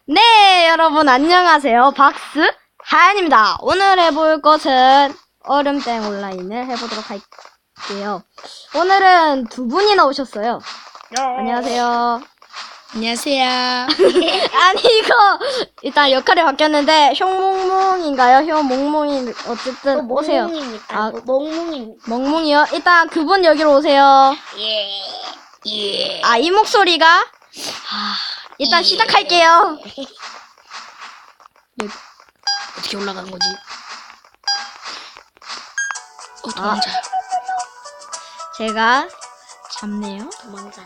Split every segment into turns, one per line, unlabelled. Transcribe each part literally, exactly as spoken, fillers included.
네, 여러분 안녕하세요. 박스 하얀입니다. 오늘 해볼 것은 얼음땡 온라인을 해보도록 할게요. 오늘은 두 분이 나오셨어요. 안녕하세요.
안녕하세요.
아니 이거 일단 역할이 바뀌었는데 효몽몽인가요? 효몽몽이 어쨌든 오세요.
몽몽입니까?
아,
몽몽입니다.
멍몽이요? 일단 그분 여기로 오세요.
예. 예.
아, 이 목소리가 아, 일단
예.
시작할게요.
어떻게 올라가는 거지? 어,
아.
도망자.
제가 잡네요.
도망자네.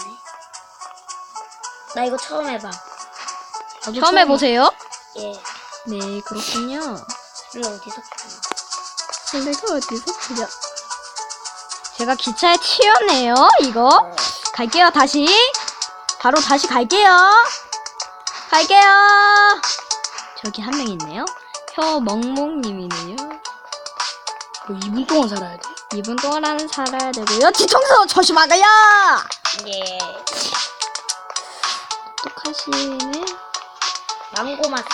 나 이거 처음 해봐. 나도
처음 해보세요.
예.
네, 그렇군요.
이거 어디서 풀어?
설레가 어디서 풀려? 제가 기차에 튀었네요, 이거. 갈게요, 다시. 바로 다시 갈게요. 갈게요. 저기 한 명 있네요. 혀멍멍님이네요.
뭐 이 분 동안 살아야 돼?
이 분 동안 살아야 되고요. 뒤통수 조심하세요.
예.
똑똑하시네.
망고 맛이야.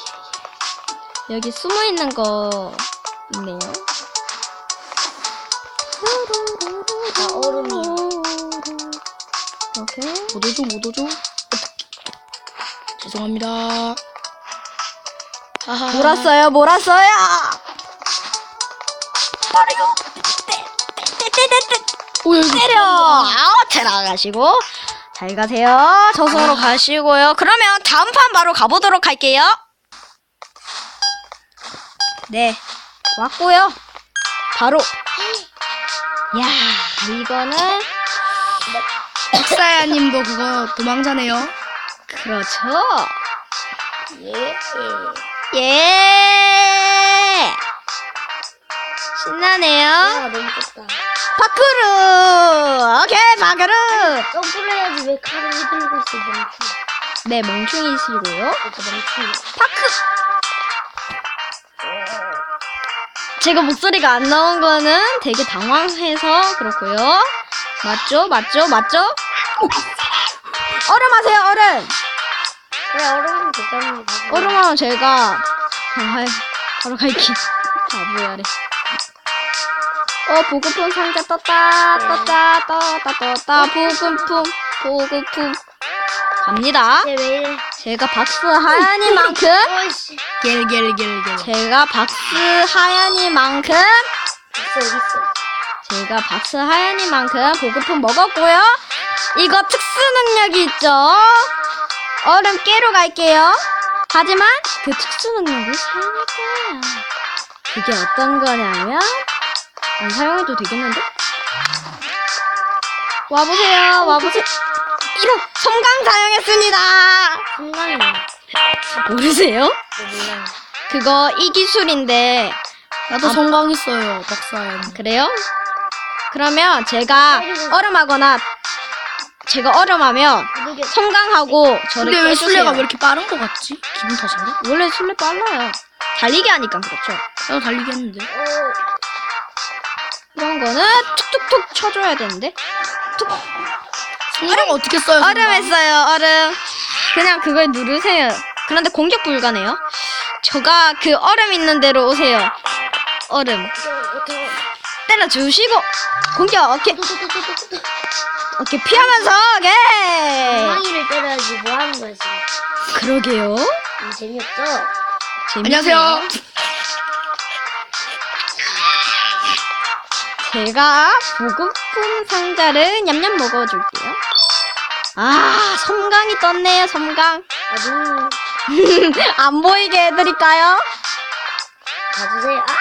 여기 숨어 있는 거 있네요.
아, 얼음이요.
이렇게.
못 오죠, 못 오죠? 죄송합니다. 하하.
몰았어요, 몰았어요. 빠르요. 떼떼떼떼.
오, 여기
때려. 아우, ter어가시고. 잘 가세요. 저승으로 가시고요. 그러면 다음 판 바로 가보도록 할게요. 네, 왔고요. 바로. 야, 이거는
박사야님도 그거 도망자네요.
그렇죠.
예.
예. 신나네요.
아, 너무 좁다.
파크르. 오케이, 파크르.
점프를 해야지 왜 칼을 휘둘고 있어, 멍충.
네, 멍충이시고요.
그래서 멍충.
파크. 제가 목소리가 안 나온 거는 되게 당황해서 그렇고요. 맞죠? 맞죠? 맞죠? 얼음 하세요, 얼음.
그래, 얼음은 괜찮은 거
얼음 하면 제가 아, 바로 갈게. 바보야래. 어, 보급품 상자 떴다, 떴다, 떴다, 떴다. 보급품, 보급품. 갑니다.
쟤 왜 이래?
제가 박스 하얀이만큼,
어이씨. 겔겔겔겔.
제가 박스 하얀이만큼,
있어, 어디 있어?
제가 박스 하얀이만큼 보급품 먹었고요. 이거 특수 능력이 있죠. 얼음 깨러 갈게요. 하지만 그 특수 능력을 사용할 거예요. 그게 어떤 거냐면 안 사용해도 되겠는데? 와보세요. 와보세요. 이런 섬광 사용했습니다.
성강이네.
모르세요?
몰라요.
그거 이 기술인데
나도
아.
성광했어요, 박사야님.
그래요? 그러면 제가 얼음하거나 제가 얼음하면 섬광하고 저를
근데 왜
깨주세요.
술래가 왜 이렇게 빠른 거 같지? 기분 탓인가?
원래 술래 빨라요. 달리기 하니까 그렇죠.
나도 달리기 했는데.
이런 거는 툭툭툭 쳐줘야 되는데. 툭.
성광 어떻게 써요?
얼음
성광?
했어요. 얼음. 그냥 그걸 누르세요. 그런데 공격 불가네요. 저가 그 얼음 있는 데로 오세요. 얼음. 때려주시고 공격. 오케이. 오케이, 피하면서. 오케이.
엉망이를 때려야지 뭐 하는 거야 지금?
그러게요.
음, 재미없죠?
재밌네요.
안녕하세요.
제가 보급품 상자를 냠냠 먹어줄게요. 아, 섬광이 떴네요, 섬광.
아주
안 보이게 해드릴까요?
봐주세요. 아!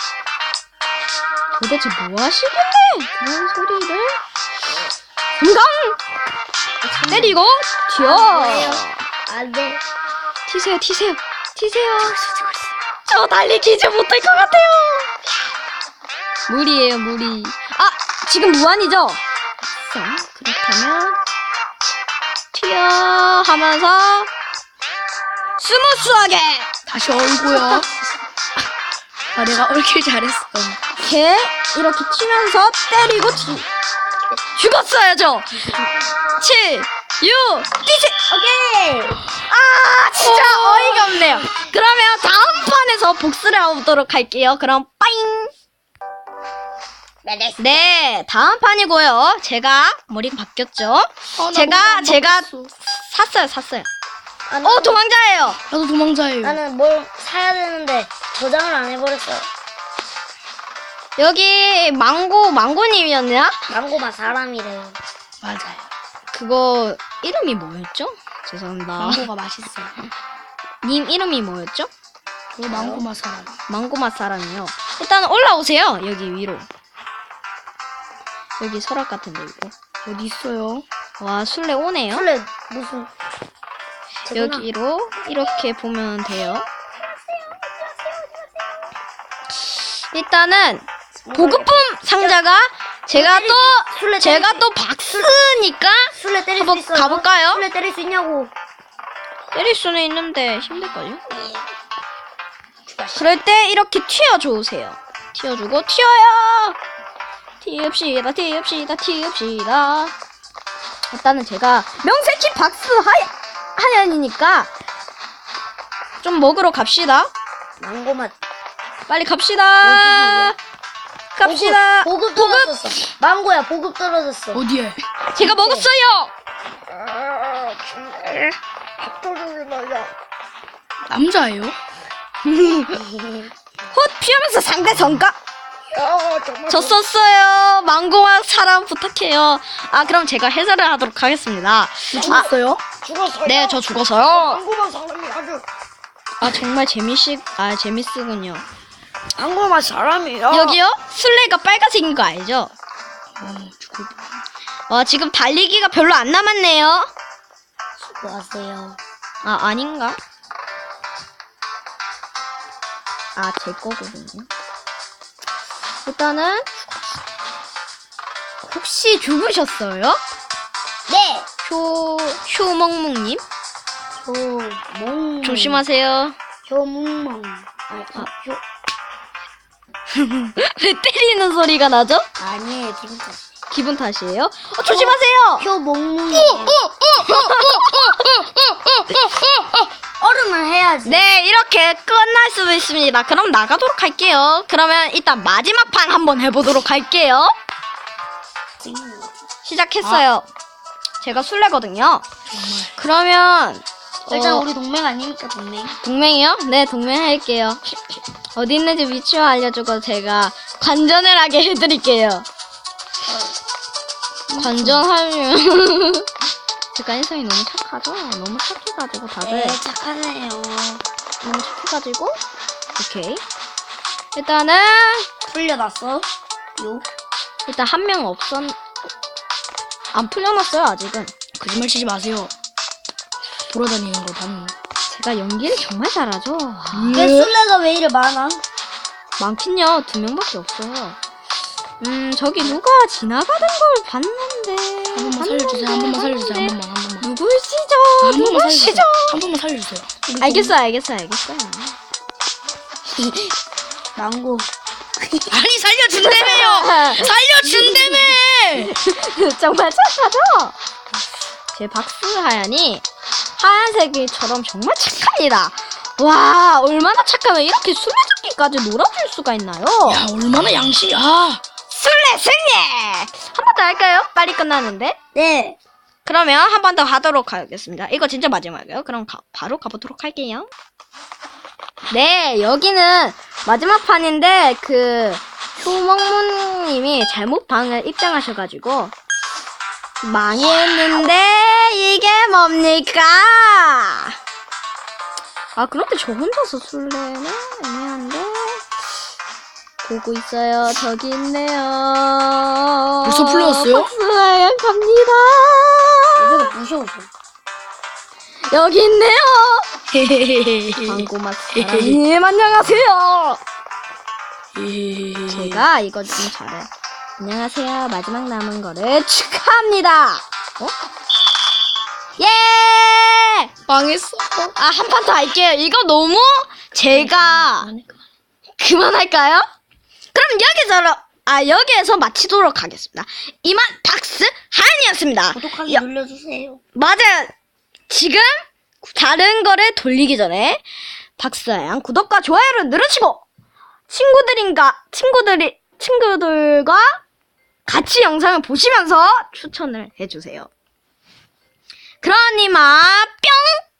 도대체 뭐 하시길래 그런 소리를? 섬광! 때리고, 튀어!
안돼.
튀세요, 튀세요, 튀세요. 저 달리기지 못할 것 같아요. 무리예요, 무리. 아, 지금 무한이죠? 자, 그렇다면 튀어 하면서 스무스하게
다시 얼고요. 아 내가 얼길 잘했어.
이렇게 이렇게 튀면서 때리고 튀. 죽었어야죠. 칠, 육, 뛰세.
오케이.
아, 진짜. 돼요. 그러면 다음 판에서 복수를 해보도록 할게요. 그럼 빠잉. 네, 다음 판이고요. 제가 머리가 바뀌었죠.
아, 나
제가
너무 안
제가
바꿨어.
샀어요, 샀어요.
나는,
어, 도망자예요.
나도 도망자예요.
나는 뭘 사야 되는데 저장을 안 해버렸어.
여기 망고 망고님이었나?
망고맛 사람이래요.
맞아요.
그거 이름이 뭐였죠? 죄송합니다.
망고가 맛있어요.
님 이름이 뭐였죠?
그 망고 맛 사람.
망고맛 사람이요. 일단 올라오세요. 여기 위로. 여기 서랍 같은 데 있고.
어디 있어요?
와, 술래 오네요.
원래 무슨 제구나.
여기로 이렇게 보면 돼요. 일단은 보급품 상자가 제가 또
술래
제가
때릴
또 박스니까
술래 때릴
한번
수 있어요?
가볼까요?
술래 때릴 수 있냐고.
때릴 수는 있는데 힘들걸요?
죽었어.
그럴 때 이렇게 튀어주세요. 튀어주고 튀어요. 튀읍시다 튀읍시다 튀읍시다. 일단은 제가 명색히 박스 하야, 하얀이니까 좀 먹으러 갑시다.
망고맛.
빨리 갑시다. 갑시다.
보급, 보급 떨어졌어. 망고야 보급 떨어졌어.
어디에?
제가 먹었어요.
남자예요?
헛 피하면서 상대 성과. 저 썼어요. 망고맛 사람 부탁해요. 아, 그럼 제가 해설을 하도록 하겠습니다. 아,
죽었어요?
죽었어요.
네, 저 죽어서요.
망고맛 사람이 아주.
아, 정말 재미있, 아, 재밌으군요.
망고맛 사람이요.
여기요? 술래가 빨간색인 거 알죠?
어, 죽을
와, 지금 달리기가 별로 안 남았네요.
수고하세요.
아, 아닌가? 아, 제 거거든요. 일단은 혹시 죽으셨어요?
네.
효, 효멍멍님?
효몽.
조심하세요.
효몽. 아니,
아.
효.
왜 때리는 소리가 나죠?
아니에요, 기분 탓.
기분 탓이에요? 어, 조심하세요!
효몽몽이. 얼음을 해야지.
네, 이렇게 끝날 수 있습니다. 그럼 나가도록 할게요. 그러면 일단 마지막 판 한번 해보도록 할게요. 시작했어요. 제가 술래거든요.
정말.
그러면
일단
어,
우리 동맹 아니니까 동맹.
동맹이요? 네, 동맹 할게요. 어디 있는지 위치만 알려주고 제가 관전을 하게 해드릴게요. 관전하면 제가 인성이 너무 착하죠? 너무 착해가지고 다들
네, 착하네요.
너무 착해가지고 오케이. 일단은
풀려났어. 요.
일단 한 명 없었 안 풀려났어요 아직은.
거짓말 치지 마세요. 돌아다니는 거 봤는데.
제가 연기를 정말 잘하죠.
왜 술래가 왜 이래 많아?
많긴요. 두 명밖에 없어요. 음 저기 누가 지나가는 걸 봤는데.
한 번만 살려주세요. 한 번만 살려주세요. 한 번만, 한 번만.
누구시죠?
한 번만
누구시죠?
살려주세요. 한 번만 살려주세요.
알겠어요, 알겠어요, 알겠어요.
망고.
아니, 살려준다며요! 살려준다며!
정말 착하죠? 제 박스 하얀이 하얀색이처럼 정말 착합니다. 와, 얼마나 착하면 이렇게 술래잡기까지 놀아줄 수가 있나요?
야, 얼마나 양심이, 아!
술래 승리! 한 번 더 할까요? 빨리 끝나는데.
네.
그러면 한 번 더 하도록 하겠습니다. 이거 진짜 마지막이에요. 그럼 가, 바로 가보도록 할게요. 네, 여기는 마지막 판인데 그 효먹무님이 잘못 방을 입장하셔가지고 망했는데 이게 뭡니까? 아, 그런데 저 혼자서 술래는 애매한데. 보고 있어요. 저기 있네요.
벌써 풀려났어요?
박스하얀 갑니다.
이거 무서워서.
여기 있네요.
헤헤헤헤.
광고맛 사랑님 안녕하세요.
헤헤헤헤.
제가 이거 좀 잘해. 안녕하세요. 마지막 남은 거를 축하합니다. 어? 예!
망했어.
아, 한 판 더 할게요. 이거 너무 제가 그만할까요? 그럼 여기서 아 여기에서 마치도록 하겠습니다. 이만 박스 하얀이었습니다.
구독하기
여-
눌러주세요.
맞아요. 지금 다른 거를 돌리기 전에 박수하양 구독과 좋아요를 누르시고 친구들인가 친구들이 친구들과 같이 영상을 보시면서 추천을 해주세요. 그러니만 뿅!